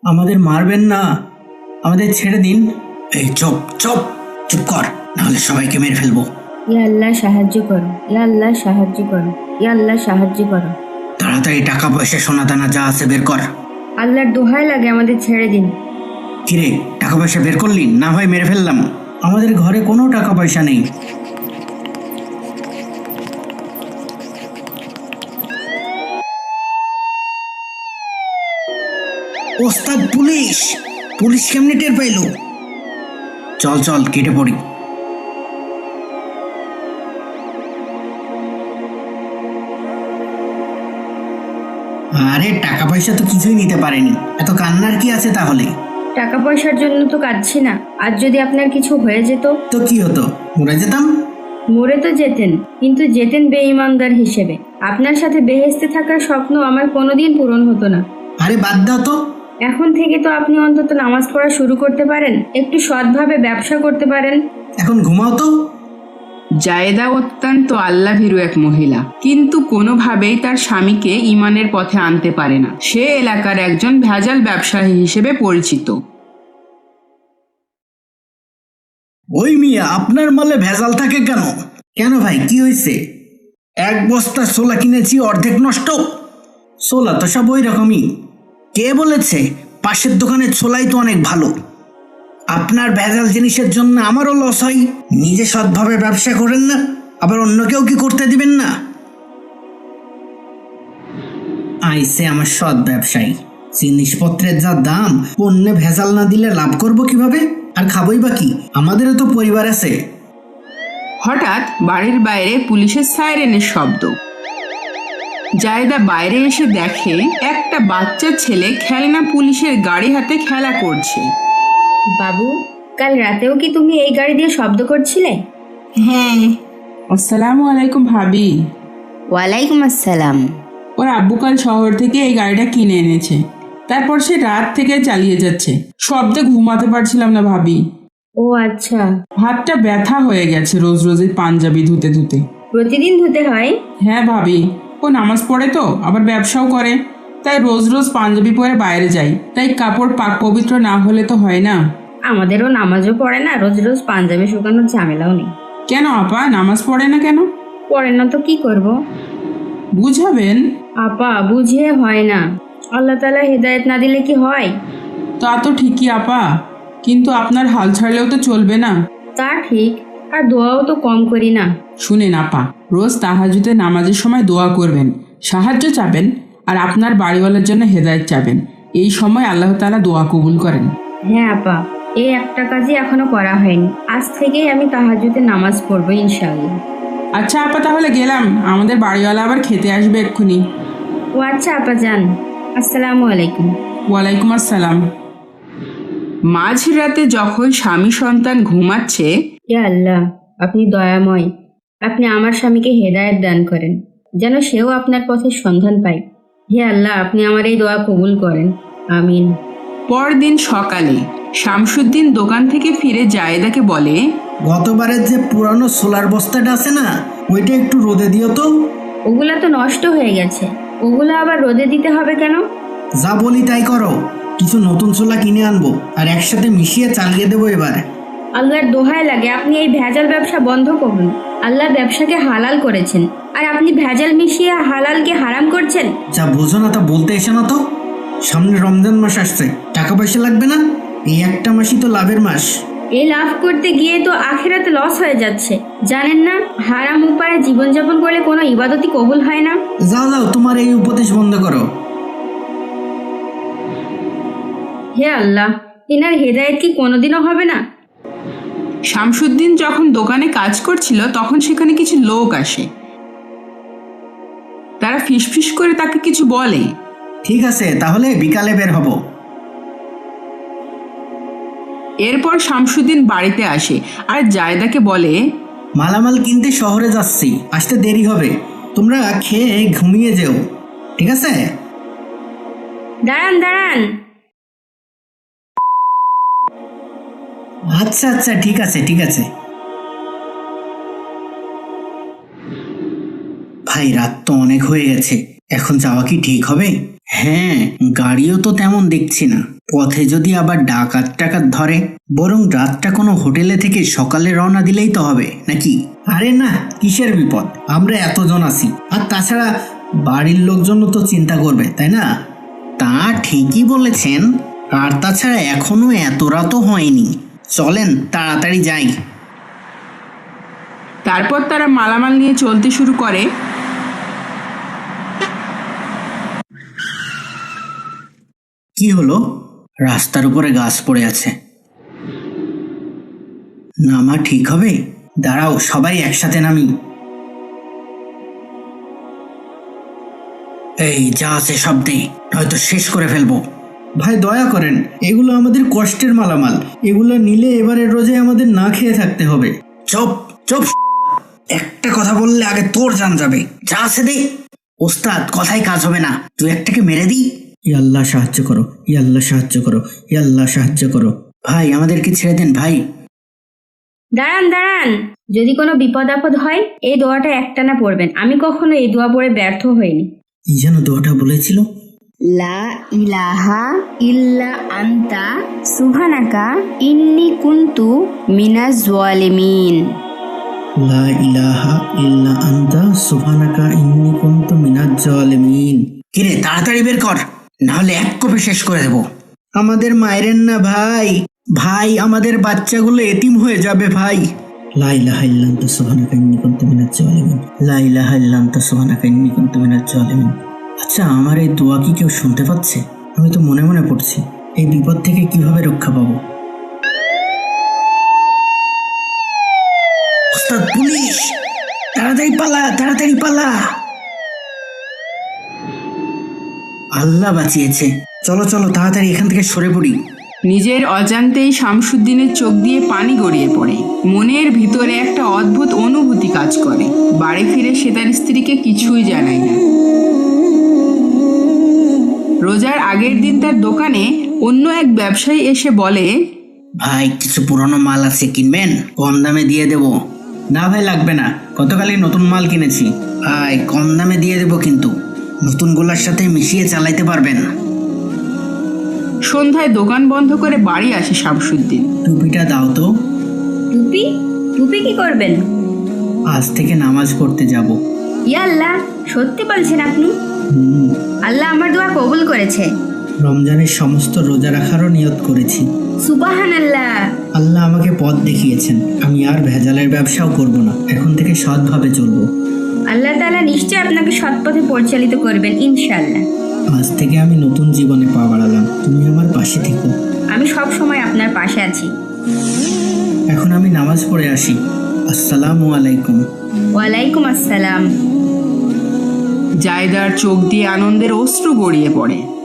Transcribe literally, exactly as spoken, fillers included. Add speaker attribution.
Speaker 1: আমাদের মারবেন না, আমাদের ছেড়ে দিন। এই চুপ চুপ চুপ কর, নাহলে সবাইকে মেরে ফেলবো।
Speaker 2: ইয়া আল্লাহ সাহায্য করো, ইয়া আল্লাহ সাহায্য করো, ইয়া আল্লাহ সাহায্য করো।
Speaker 1: তাড়াতাড়ি টাকা পয়সা সোনা দানা যা আছে বের কর।
Speaker 2: আল্লাহর দোহাই লাগে আমাদের ছেড়ে দিন।
Speaker 1: কিরে, টাকা পয়সা বের করলি? না হয় মেরে ফেললাম। আমাদের ঘরে কোনো টাকা পয়সা নেই। ওস্তাদ, পুলিশ! পুলিশ কেমনে টের পাইল? চল চল কেটে পড়ি। আরে টাকা পয়সা তো কিছুই নিতে পারেনি, এত কান্নার কি আছে তাহলে?
Speaker 2: টাকা পয়সার জন্য তো কাঁদছি না, আর যদি আপনার কিছু হয়ে যেত?
Speaker 1: তো কি হতো, মরে যেতাম।
Speaker 2: মরে তো যেতেন, কিন্তু যেতেন বেঈমানদার হিসেবে। আপনার সাথে বেহেশতে থাকার স্বপ্ন আমার কোনোদিন পূরণ হতো না।
Speaker 1: আরে বাদ দাও তো।
Speaker 2: এখন থেকে তো আপনি অন্তত নামাজ পড়া শুরু করতে পারেন, একটু সৎভাবে ব্যবসা করতে পারেন।
Speaker 1: এখন ঘুমাও তো।
Speaker 3: জায়েদা অত্যন্ত আল্লাভীরু এক মহিলা, কিন্তু কোনোভাবেই তার স্বামীকে ঈমানের পথে আনতে পারে না। সে এলাকার একজন ভেজাল ব্যবসায়ী হিসেবে পরিচিত।
Speaker 1: ওই মিয়া, আপনার মালে ভেজাল থাকে কেন? কেন ভাই, কি হয়েছে? এক বস্তা ছোলা কিনেছি, অর্ধেক নষ্ট। ছোলা তো সব ওই রকমই। কে বলেছে? পাশের দোকানের ছোলাই তো অনেক ভালো। আপনার ভেজাল জিনিসের জন্য আমারও লস হয়। নিজে সৎভাবে ব্যবসা করেন না, আবার অন্যকেও কি করতে দিবেন না? আইসে আমার সৎ ব্যবসায়ী। জিনিসপত্রের যা দাম, পণ্যে ভেজাল না দিলে লাভ করব কিভাবে? আর খাবই বা কি? আমাদেরও তো পরিবার আছে।
Speaker 3: হঠাৎ বাড়ির বাইরে পুলিশের সাইরেনের শব্দ। জায়েদা বাইরে এসে দেখে একটা বাচ্চা ছেলে খেলনা পুলিশের গাড়ি হাতে খেলা করছে।
Speaker 2: বাবু, কাল রাতেও কি তুমি এই গাড়ি দিয়ে শব্দ করছিলে?
Speaker 3: হ্যাঁ। আসসালামু আলাইকুম ভাবি।
Speaker 2: ওয়ালাইকুম আসসালাম।
Speaker 3: ওর আব্বু কাল শহর থেকে এই গাড়িটা কিনে এনেছে, তারপর সে রাত থেকে চালিয়ে যাচ্ছে। শব্দে ঘুমাতে পারছিলাম না ভাবি।
Speaker 2: ও আচ্ছা।
Speaker 3: হাতটা ব্যথা হয়ে গেছে রোজ রোজ এই পাঞ্জাবি ধুতে ধুতে।
Speaker 2: প্রতিদিন ধুতে হয়?
Speaker 3: হ্যাঁ ভাবি, ও নামাজ পড়ে তো, আবার ব্যবসাও করে, তাই রোজ রোজ পাঞ্জাবি পরে বাইরে যাই, তাই কাপড় পাক পবিত্র না হলে তো হয় না।
Speaker 2: আমাদেরও নামাজও পড়ে না, রোজ রোজ পাঞ্জাবি শুকানোর ঝামেলাও নেই।
Speaker 3: কেন আপা, নামাজ পড়ে না কেন?
Speaker 2: পড়ে না তো কি করব?
Speaker 3: বুঝাবেন।
Speaker 2: আপা, বুঝিয়ে হয় না। আল্লাহ তাআলা হেদায়েত না দিলে কি হয়?
Speaker 3: তা তো ঠিকই আপা, কিন্তু আপনার হাল ছাড়লেও তো চলবে না।
Speaker 2: তা ঠিক, আর দোয়াও তো কম করি না।
Speaker 3: শুনেন আপা, রোজ তাহাজ্জুদে নামাজের সময় দোয়া করবেন, সাহায্য চাবেন, আর আপনার বাড়িওয়ালার জন্য হেদায়েত চাবেন। এই সময় আল্লাহ তাআলা দোয়া কবুল করেন।
Speaker 2: হ্যাঁ আপা, এই একটা কাজই এখনো করা হয়নি। আজ থেকেই আমি তাহাজ্জুদে নামাজ পড়বো ইনশাআল্লাহ।
Speaker 3: আচ্ছা আপা, তাহলে গেলাম, আমাদের বাড়িওয়ালা আবার খেতে আসবে এক্ষুনি।
Speaker 2: ও আচ্ছা আপা, যান। আসসালামু আলাইকুম।
Speaker 3: ওয়ালাইকুম আসসালাম। মাঝরাতে যখন স্বামী সন্তান ঘুমাচ্ছে,
Speaker 2: হে আল্লাহ, আপনি দয়াময়। আপনি আমার স্বামীকে হেদায়েত দান করেন, যেন সেও আপনার পথের সন্ধান পায়। হে আল্লাহ, আপনি আমার এই দোয়া কবুল করেন। আমিন।
Speaker 3: পরদিন সকালে শামসুদ্দিন দোকান থেকে ফিরে জায়েদাকে বলে,
Speaker 1: গতবারের যে পুরানো সোলার বস্তাটা আছে না, ওইটা একটু রোদে দিও তো।
Speaker 2: ওগুলা তো নষ্ট হয়ে গেছে, ওগুলা আবার রোদে দিতে হবে কেন?
Speaker 1: যা বলি তাই করো। কিছু নতুন ছোলা কিনে আনবো, আর একসাথে মিশিয়ে চালিয়ে দেবো এবার।
Speaker 2: আল্লাহর দোহাই লাগে, আপনি এই ভেজাল ব্যবসা বন্ধ করুন। আল্লাহ ব্যবসাকে হালাল করেছেন, আর আপনি ভেজাল মিশিয়ে হালালকে হারাম করছেন।
Speaker 1: যা বোঝো না তা বলতে এসে না তো। সামনে রমজান মাস আসছে, টাকা পয়সা লাগবে না? এই একটা মাসই তো লাভের মাস।
Speaker 2: এই লাভ করতে গিয়ে তো আখিরাতে লস হয়ে যাচ্ছে। জানেন না, হারাম উপায়ে জীবনযাপন করলে কোনো ইবাদতই কবুল হয় না।
Speaker 1: যাও যাও, তোমার এই উপদেশ বন্ধ করো।
Speaker 2: হে আল্লাহ, ইনার হেদায়েত কি কোনোদিনও হবে না?
Speaker 3: শামসুদ্দিন যখন দোকানে কাজ করছিল তখন সেখানে কিছু লোক আসে। তারা ফিসফিস করে তাকে কিছু বলে।
Speaker 1: ঠিক আছে, তাহলে বিকালে বের হব।
Speaker 3: এরপর শামসুদ্দিন বাড়িতে আসে আর জায়েদাকে বলে,
Speaker 1: মালামাল কিনতে শহরে যাচ্ছি, আসতে দেরি হবে। তোমরা খেয়ে ঘুমিয়ে যেও, ঠিক আছে?
Speaker 2: দাঁড়ান দাঁড়ান।
Speaker 1: আচ্ছা আচ্ছা, ঠিক আছে ঠিক আছে। ভাই, রাত তো অনেক হয়ে গেছে, এখন যাওয়া কি ঠিক হবে? হ্যাঁ, গাড়িও তো তেমন দেখছি না। পথে যদি আবার ডাকাত টাকাত ধরে, বরং রাতটা কোনো হোটেলে থেকে সকালে রওনা দিলেই তো হবে নাকি? আরে না, কিসের বিপদ, আমরা এতজন আছি। আর তাছাড়া বাড়ির লোকজন তো চিন্তা করবে, তাই না? তা ঠিকই বলেছেন। আর তাছাড়া এখনো এত রাতও হয়নি, চলেন তাড়াতাড়ি যাই।
Speaker 3: তারপর তারা মালামাল নিয়ে চলতে শুরু করে।
Speaker 1: কি হলো? রাস্তার উপরে গাছ পড়ে আছে, নামা ঠিক হবে? দাঁড়াও, সবাই একসাথে নামি। এই যা আছে সব দে, হয়তো শেষ করে ফেলবো। ভাই দয়া করেন, এগুলো আমাদের কষ্টের মালামাল, এগুলো নিলে এবারে রোজে আমাদের না খেয়ে থাকতে হবে। চুপ চুপ, একটা কথা বললে আগে তোর জান যাবে। যা আছে দে। ওস্তাদ, কথাই কাজ হবে না, তুই একটাকে মেরে দি। ইয়া আল্লাহ সাহায্য করো, ইয়া আল্লাহ সাহায্য করো, ইয়া আল্লাহ সাহায্য করো। ভাই আমাদেরকে ছেড়ে দেন ভাই।
Speaker 2: দাঁড়ান দাঁড়ান, যদি কোনো বিপদ আপদ হয় এই দোয়াটা একটানা পড়বেন। আমি কখনো এই দোয়া পড়ে ব্যর্থ হইনি।
Speaker 1: কি যেন দোয়াটা বলেছিল?
Speaker 2: লা ইলাহা ইল্লা আনতা সুবহানাকা ইন্নী কুনতু মিনাজ জালিমিন।
Speaker 1: লা ইলাহা ইল্লা আনতা সুবহানাকা ইন্নী কুনতু মিনাজ জালিমিন। কিরে, তাড়াতাড়ি বের কর, না হলে এক কোপে শেষ করে দেব। আমাদের মায়েরেন না ভাই, ভাই আমাদের বাচ্চাগুলো এতিম হয়ে যাবে ভাই। লা ইলাহা ইল্লা আনতা সুবহানাকা ইন্নী কুনতু মিনাজ জালিমিন, লা ইলাহা ইল্লা আনতা সুবহানাকা ইন্নী কুনতু মিনাজ জালিমিন। আচ্ছা, আমার এই দোয়া কি কেউ শুনতে পাচ্ছে? আমি তো মনে মনে পড়ছি, এই বিপদ থেকে কিভাবে রক্ষা পাবো? ওস্তাদ, পুলিশ! তাড়াতাড়ি পালা, তাড়াতাড়ি পালা। আল্লাহ বাঁচিয়েছে। চলো চলো, তাড়াতাড়ি এখান থেকে সরে পড়ি।
Speaker 3: নিজের অজান্তেই শামসুদ্দিনের চোখ দিয়ে পানি গড়িয়ে পড়ে। মনের ভিতরে একটা অদ্ভুত অনুভূতি কাজ করে। বাড়ি ফিরে সে তার স্ত্রীকে কিছুই জানায় না। রোজার আগের দিন তার দোকানে অন্য এক ব্যবসায়ী এসে বলে,
Speaker 1: ভাই কিছু পুরনো মাল আছে, কিনবেন? কম দামে দিয়ে দেব। না ভাই, লাগবে না, গতকালই নতুন মাল কিনেছি। ভাই কম দামে দিয়ে দেব, কিন্তু নতুনগুলোর সাথে মিশিয়ে চালাইতে পারবেন।
Speaker 3: সন্ধ্যায় দোকান বন্ধ করে বাড়ি আসে শামসুদ্দিন।
Speaker 1: টুপিটা দাও তো।
Speaker 2: টুপি? টুপি কি করবেন?
Speaker 1: আজ থেকে নামাজ পড়তে যাব।
Speaker 2: ইয়া আল্লাহ, সত্যি বলছেন আপনি?
Speaker 1: হুম,
Speaker 2: আল্লাহ আমার দোয়া কবুল করেছে।
Speaker 1: রমজানের সমস্ত রোজা রাখারও নিয়ত করেছি।
Speaker 2: সুবহানাল্লাহ।
Speaker 1: আল্লাহ আমাকে পথ দেখিয়েছেন, আমি আর ভেজালের ব্যবসাও করব না, এখন থেকে সৎভাবে চলবো।
Speaker 2: আল্লাহ তাআলা নিশ্চয় আপনাকে সৎ পথে পরিচালিত করবেন ইনশাআল্লাহ।
Speaker 1: আজ থেকে আমি নতুন জীবনে পা বাড়ালাম, তুমি আমার পাশে থেকো।
Speaker 2: আমি সব সময় আপনার পাশে আছি।
Speaker 1: এখন আমি নামাজ পড়ে আসি। আসসালামু আলাইকুম।
Speaker 2: ওয়ালাইকুম আসসালাম।
Speaker 3: জায়দার চোখ দিয়ে আনন্দের অশ্রু গড়িয়ে পড়ে।